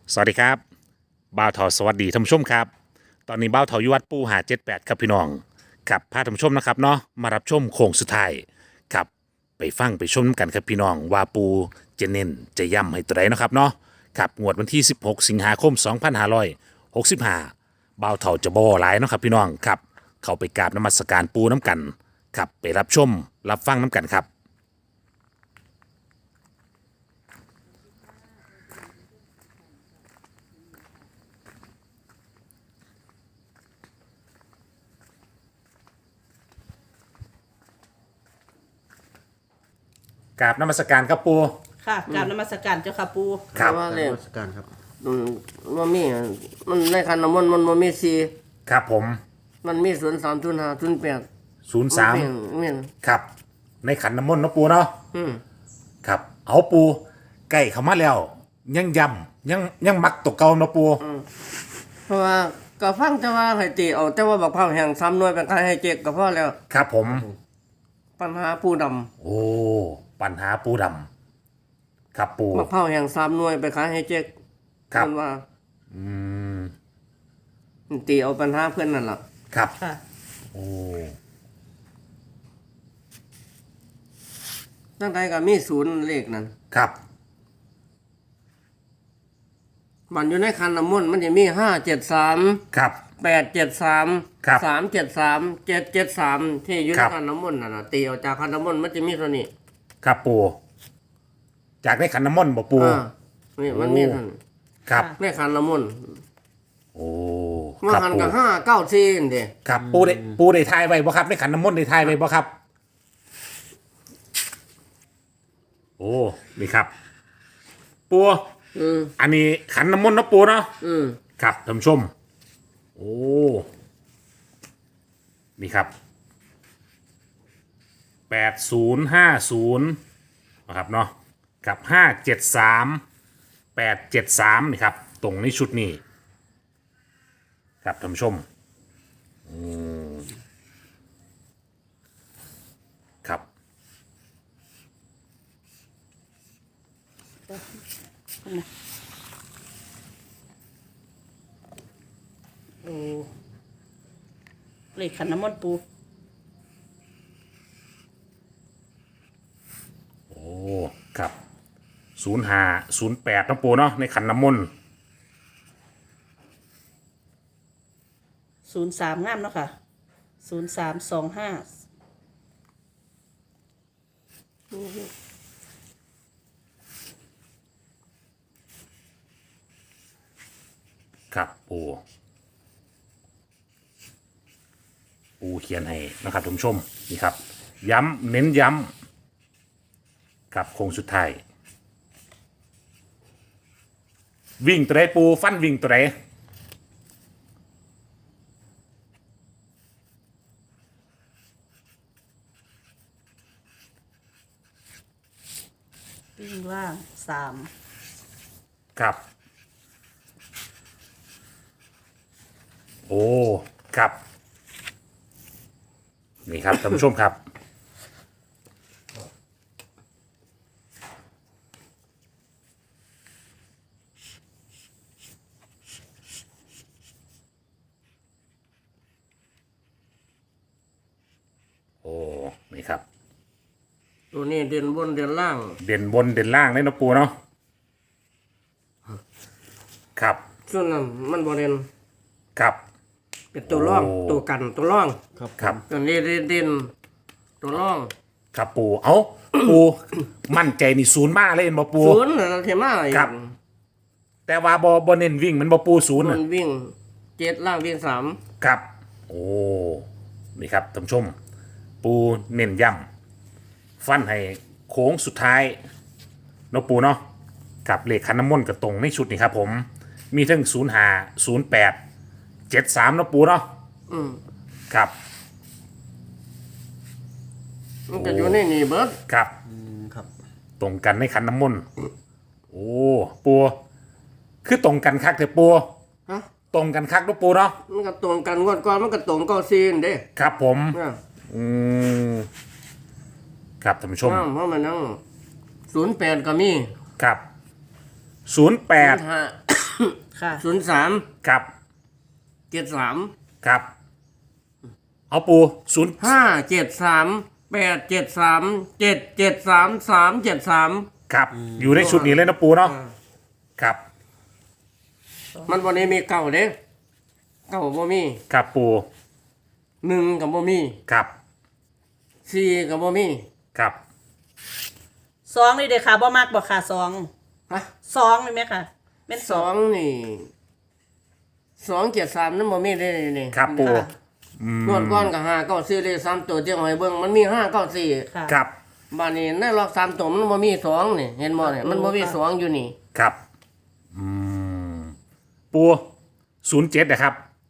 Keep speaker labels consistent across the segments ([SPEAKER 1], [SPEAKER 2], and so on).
[SPEAKER 1] สวัสดีครับบ่าวเถาสวัสดีท่านผู้ชมครับตอนนี้บ่าวเถาอยู่วัดปูหา78ครับพี่น้องครับพาท่านผู้ชมนะครับเนาะมารับชมโค้งสุดท้ายครับไปฟังไปชมกันครับพี่น้องว่าปูจะเน้นจะย้ำให้ตัวใดเนาะครับเนาะครับงวดวันที่16สิงหาคม2565บ่าวเถาจะบ่หลายเนาะครับพี่น้องครับเข้าไปกราบนมัสการปูน้ำกันครับไปรับชมรับฟังน้ำกันครับ กราบนมัสการครับปู
[SPEAKER 2] ค่ะกราบนมัสการเจ้าค่ะปู
[SPEAKER 1] ครับ
[SPEAKER 3] ว่าเลข
[SPEAKER 4] นมัสการครับ
[SPEAKER 3] มันมันมีมันในคันน้ำมันมันมีสี่
[SPEAKER 1] ครับผม
[SPEAKER 3] มันมี03 05 08
[SPEAKER 1] 03
[SPEAKER 3] มี
[SPEAKER 1] ครับในขันน้ำมนต์เนาะปูเนาะ
[SPEAKER 3] อืม
[SPEAKER 1] ครับเอาปูใกล้เข้ามาแล้วยังย้ำยังมักตกเก่าเนาะปู
[SPEAKER 3] เพราะว่าก็ฟังแต่ว่าให้ตีเอาแต่ว่าบักเผาแห่ง3หน่วยเป็นใครให้เจ๊กก็พอแล้ว
[SPEAKER 1] ครับผม
[SPEAKER 3] ปัญหาผู้ดำ
[SPEAKER 1] โอ้ปัญหาปูดำครับปู
[SPEAKER 3] บักเผาแห่ง3หน่วยไปขายให้เจ๊ก
[SPEAKER 1] ครับ
[SPEAKER 3] เพิ่นว่า
[SPEAKER 1] อืม
[SPEAKER 3] ตีเอาปัญหาเพื่อนนั่นล่ะ
[SPEAKER 1] ครับ
[SPEAKER 2] ค่ะ
[SPEAKER 1] โอ้
[SPEAKER 3] ตั้งใดก็มีศูนย์เลขนั่น
[SPEAKER 1] ครับ
[SPEAKER 3] มันอยู่ในคันน้ำมนต์มันจะมี573
[SPEAKER 1] ครับ
[SPEAKER 3] 873
[SPEAKER 1] ครับ
[SPEAKER 3] 373 773ที่อยู่ใน
[SPEAKER 1] ครับ
[SPEAKER 3] คันน้ำมนต์นั่นน่ะตีเอาจากคันน้ำมนต์มันจะมีเท่านี้
[SPEAKER 1] ครับปูจากในขันน้ำมนต์บ่ปู
[SPEAKER 3] นี่มันมีเท่านี้
[SPEAKER 1] ครับ
[SPEAKER 3] ในคันน้ำมนต์
[SPEAKER 1] โอ้
[SPEAKER 3] มา
[SPEAKER 1] ครับ
[SPEAKER 3] หัน
[SPEAKER 1] ปู
[SPEAKER 3] กับ594นี่เด้
[SPEAKER 1] ครับปูได้ทายไว้บ่ครับในขันน้ำมนต์ได้ทายไว้บ่ครับ โอ้นี่ครับ ปู อันนี้ขันน้ำมนต์เนาะปูเนาะ
[SPEAKER 3] อืม
[SPEAKER 1] ครับท่านผู้ชม โอ้นี่ครับ8050นะครับเนาะกับ573 873นี่ครับตรงในชุดนี้ครับท่านผู้ชมครับ
[SPEAKER 2] โอ้เลขขันน้ำมนต์ปู
[SPEAKER 1] โอ้ครับ0508นะปูเนาะในขันน้ำมนต์
[SPEAKER 2] 03งามเนาะค่ะ0325
[SPEAKER 1] ครับปูเขียนให้นะครับท่านผู้ชมนี่ครับ ย้ำเน้นย้ำกับโค้งสุดท้ายวิ่งตัวไหนปูฟันวิ่งตัวไหน
[SPEAKER 2] วิ่งล่าง3
[SPEAKER 1] ครับ โอ้ครับนี่ครับท่านผู้ชมครับ โอ้นี่ครับ
[SPEAKER 3] ตัวนี้เด่นบนเด่นล่าง
[SPEAKER 1] เด่นบนเด่นล่างเลยเนาะปูเนาะครับ
[SPEAKER 3] ส่วนนั้นมันบ่เด่น
[SPEAKER 1] ครับ
[SPEAKER 3] เป็นตัวร่อง
[SPEAKER 1] โอ้
[SPEAKER 3] ตัวกันตัวร่อง
[SPEAKER 1] ครับ
[SPEAKER 3] ตัวนี้เด่นตัวร่อง
[SPEAKER 1] ครับปูเอาปู มั่นใจนี่ศูนย์มาเลยเห็นบ่ปู
[SPEAKER 3] ศูนย์นั่นเทมาอีก
[SPEAKER 1] ครับ แต่ว่าบ่เน้นวิ่งมันบ่ปูศูนย์
[SPEAKER 3] มั
[SPEAKER 1] น่ะ
[SPEAKER 3] นวิ่ง7ล่างวิ่ง3
[SPEAKER 1] ครับ โอ้นี่ครับท่านผู้ชม ปูเน้นย้ำฟันให้โค้งสุดท้ายเนาะปูเนาะกับเลขคันน้ำมนต์กับตรงในชุดนี่ครับผม มีทั้ง05 08 73เนาะปูเนาะ
[SPEAKER 3] อืม
[SPEAKER 1] ครับ
[SPEAKER 3] มันก็อยู่ในนี่เบิด
[SPEAKER 1] ครับ
[SPEAKER 4] ครับ
[SPEAKER 1] ตรงกันในขันน้ำมนต์โอ้ปูคือตรงกันคักแต่ปู
[SPEAKER 3] ฮะ
[SPEAKER 1] ตรงกันคักเนาะปูเนาะ
[SPEAKER 3] มันก็ตรงกันงวดก่อนมันก็ตรง94นี่เด้
[SPEAKER 1] ครับผม
[SPEAKER 3] เนี่ย
[SPEAKER 1] อืมครับท่านผู้ชม
[SPEAKER 3] เพราะมันนั่ง08ก็มี
[SPEAKER 1] ครับ08
[SPEAKER 3] 05
[SPEAKER 2] ค่ะ
[SPEAKER 3] 03
[SPEAKER 1] ครับ
[SPEAKER 3] 73
[SPEAKER 1] ครับ เอาปูศูนย์
[SPEAKER 3] 573 873 773 373
[SPEAKER 1] ครับ อยู่ในชุดนี้เลยนะปูเนาะครับ
[SPEAKER 3] มันบ่ได้มีเก่าเด้เก่าบ่มี
[SPEAKER 1] ครับปู
[SPEAKER 3] 1ก็บ่มี
[SPEAKER 1] ครับ
[SPEAKER 3] 4ก็บ่มี
[SPEAKER 1] ครับ
[SPEAKER 2] สองนี่เด้อค่ะบ่มากบ่ค่ะสอง
[SPEAKER 3] ฮะ
[SPEAKER 2] สองนี่ไหมค่ะเป็นสอง
[SPEAKER 3] 2นี่273นั่นบ่มีได้นี่
[SPEAKER 1] ครับปู
[SPEAKER 2] ค่ะ
[SPEAKER 3] งวดก่อนก็5 9 4เลข3ตัวเที่ยวให้เบิ่งมันมี5 9 4
[SPEAKER 2] ค่ะ
[SPEAKER 1] ครับ
[SPEAKER 3] บ้านนี้ในล็อก3ตัวมันบ่มี2นี่เห็นบ่เนี่ยมันบ่มี2อยู่นี่
[SPEAKER 1] ครับปู07นะครับ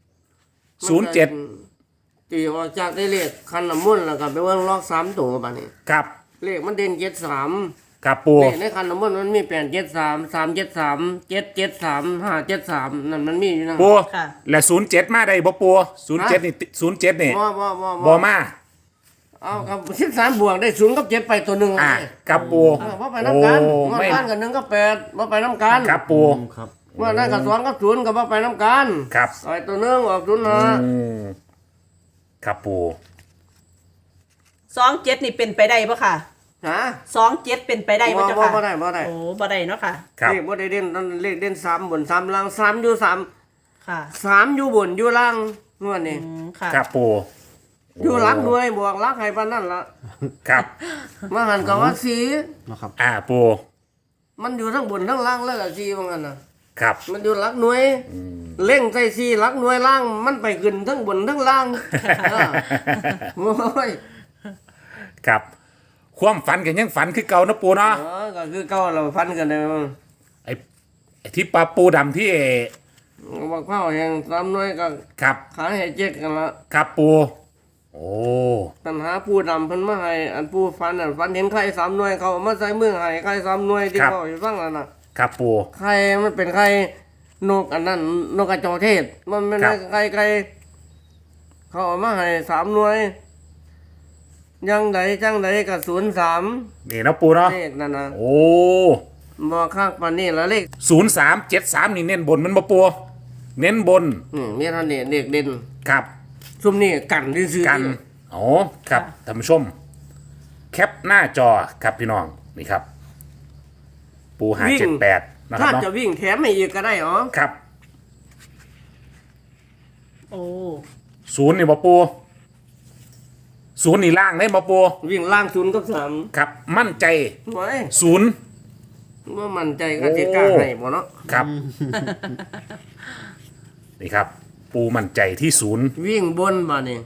[SPEAKER 1] 07
[SPEAKER 3] ตีออกจากได้เลขคันน้ำมนต์แล้วก็ไปเบิ่งล็อก3ตัวบัดนี้
[SPEAKER 1] ครับ
[SPEAKER 3] เลขมันเด่น73
[SPEAKER 1] ครับปู
[SPEAKER 3] เลขในคันน้ำมนต์มันมี873 373 773 573นั่นมันมีอยู่นะ
[SPEAKER 1] ปู
[SPEAKER 2] ค่ะ
[SPEAKER 1] และ07มาได้บ่ปู07นี่07นี่
[SPEAKER 3] บ่
[SPEAKER 1] บ่มา
[SPEAKER 3] เอากับ13บวกได้0กับ7ไปตัวหนึง
[SPEAKER 1] อ่าครับปู
[SPEAKER 3] บ่ไปนำกัน
[SPEAKER 1] โอ้
[SPEAKER 3] งวด
[SPEAKER 1] ไม่
[SPEAKER 3] บ้านกับ1กับ8บ่ไปนำกัน
[SPEAKER 1] ครับปู
[SPEAKER 3] ว่านั่นกับ2กับ0ก็บ่ไปนำกัน
[SPEAKER 1] ครับ
[SPEAKER 3] ไอ้ตัวหนึงออก0นะ
[SPEAKER 1] ครับปู
[SPEAKER 2] สองเจ็ดนี่เป็นไปได้ปะค่ะ
[SPEAKER 3] ฮะ
[SPEAKER 2] สองเจ็ดเป็นไปได้ปะเจ้าค่ะ
[SPEAKER 3] บ่ได้บ่ได้
[SPEAKER 2] โอ้บ่ได้เนาะค่ะ
[SPEAKER 1] ครับ
[SPEAKER 3] เลขบ่ได้เด่นนั่นเลขเด่น3บน3ล่าง3อยู่3
[SPEAKER 2] ค่ะ
[SPEAKER 3] 3อยู่บนอยู่ล่างงวดนี้
[SPEAKER 2] ค่ะ
[SPEAKER 1] ครับปู
[SPEAKER 3] อยู่หลักหน่วยบวกหลักให้ปานนั้นล่ะ
[SPEAKER 1] ครับ
[SPEAKER 3] มาหันก็ว่าสี
[SPEAKER 1] ปู
[SPEAKER 3] มันอยู่ทั้งบนทั้งล่างแล้วก็สีว่างั้นน่ะ
[SPEAKER 1] ครับ
[SPEAKER 3] มันอยู่หลักหน่วยเล่งใส่สีหลักหน่วยล่างมันไปขึ้นทั้งบนทั้งล่างเออโอ้ย
[SPEAKER 1] ครับความฝันกันยังฝันคือเก่านะปูเนาะ
[SPEAKER 3] ก็คือเก่าเราฟันกันเลย
[SPEAKER 1] ไอ้ที่ปลาปูดำที่
[SPEAKER 3] บักเผาแห่ง3หน่วยก็
[SPEAKER 1] ครับ
[SPEAKER 3] ขายให้เจ็ดกันละ
[SPEAKER 1] ครับปู โอ้
[SPEAKER 3] ปัญหาผู้ดำเพิ่นมาให้อันผู้ฟันน่ะฟันเห็นไข่3หน่วยเขาเอามาใส่มือให้ไข่3หน่วยที่เขาให้ฟังนั่นน่ะ
[SPEAKER 1] ครับปู
[SPEAKER 3] ไข่มันเป็นไข่นกอันนั้นนกกระจอกเทศ มันไม่ได้ไข่เขาเอามาให้3หน่วยยังใดจังใดกับ03
[SPEAKER 1] นี่นะปูเนาะ
[SPEAKER 3] เลขนั่นนะ
[SPEAKER 1] โอ้
[SPEAKER 3] บ่ข้างปานนี้ละเลข
[SPEAKER 1] 0373นี่เน้นบนมันบ่ปูเน้นบน
[SPEAKER 3] มีเท่านี้เลขเด่น
[SPEAKER 1] ครับ
[SPEAKER 3] ซุมนี้กันซื่อๆ
[SPEAKER 1] กันอ๋อครับท่านผู้ชม แคปหน้าจอครับพี่น้องนี่ครับ ปูหา78นะครั
[SPEAKER 3] ถ้า
[SPEAKER 1] บเนาะ
[SPEAKER 3] จะวิ่งแถมให้อีกก็ได้อ๋อ
[SPEAKER 1] ครับ
[SPEAKER 2] โอ้
[SPEAKER 1] ศูนย์นี่บ่ปูศูนย์นี่ล่างได้บ่ปู
[SPEAKER 3] วิ่งล่าง0กับ
[SPEAKER 1] ครับ มั่นใจ
[SPEAKER 3] 3ไว้
[SPEAKER 1] ศูนย์
[SPEAKER 3] บ่มั่นใจก็สิกล้าให้บ่เนาะ
[SPEAKER 1] ครับ นี่ครับ ปูมั่นใจที่ศูนย์
[SPEAKER 3] วิ่งบนบ่นี่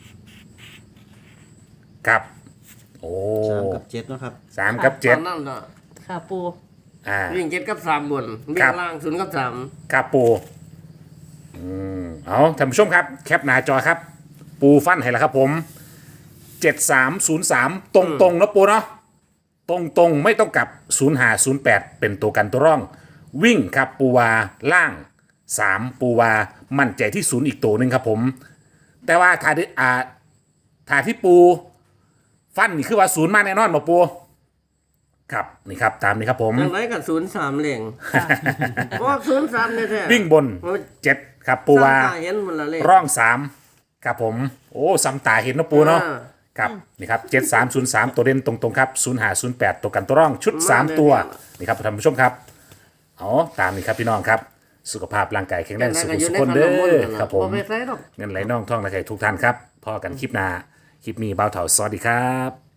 [SPEAKER 1] ครับ โอ้
[SPEAKER 4] 3 กับ 7 เนาะครับ
[SPEAKER 1] 3 กับ
[SPEAKER 3] ตอนนั้นน่ะ
[SPEAKER 2] ค่ะปู
[SPEAKER 1] 7อ่า
[SPEAKER 3] วิ่ง7กับ3บนวิ่
[SPEAKER 1] ครั
[SPEAKER 3] ง
[SPEAKER 1] บ
[SPEAKER 3] ล่าง0กับ3
[SPEAKER 1] ครับปูเอาท่านผู้ชมครับ แคปหน้าจอครับ ปูฟันให้แล้วครับผม 7303 ตรงๆนะปูเนาะตรงๆไม่ต้องกลับ 0508 เป็นตัวกันตัวร่อง วิ่งครับปูวาล่าง 3 ปูวามั่นใจที่ศูนย์อีกตัวหนึ่งครับผม แต่ว่าถ้าที่ปูฟันนี่คือว่าศูนย์มาแน่นอนบ่ปูครับนี่ครับตามนี้ครับผม
[SPEAKER 3] จังไดก็03เหลงออก03แท้ๆ
[SPEAKER 1] วิ่งบน 7 ครับปูวา
[SPEAKER 3] สร้งตเห็นมันละเลข
[SPEAKER 1] ร่อง3ครับผม โอ้ซ้ำตาเห็นนะปูเนาะ
[SPEAKER 3] อ่า
[SPEAKER 1] ครับนี่ครับ7303 ตัวเด่นตรงๆครับ0508 ตัวกันตัวร่องชุด 3 ตัวนี่ครับท่านผู้ชมครับเอาตามนี้ครับพี่น้องครับ สุขภาพร่างกายแข็งแรงสุขสุขคนเด้อครับผม
[SPEAKER 3] บ่ไปใส่ดอก
[SPEAKER 1] เงินไหลน่องท่องไหลไข่ทุกท่านครับพอกันคลิปหน้าคลิปนี้เบาเถาสวัสดีครับ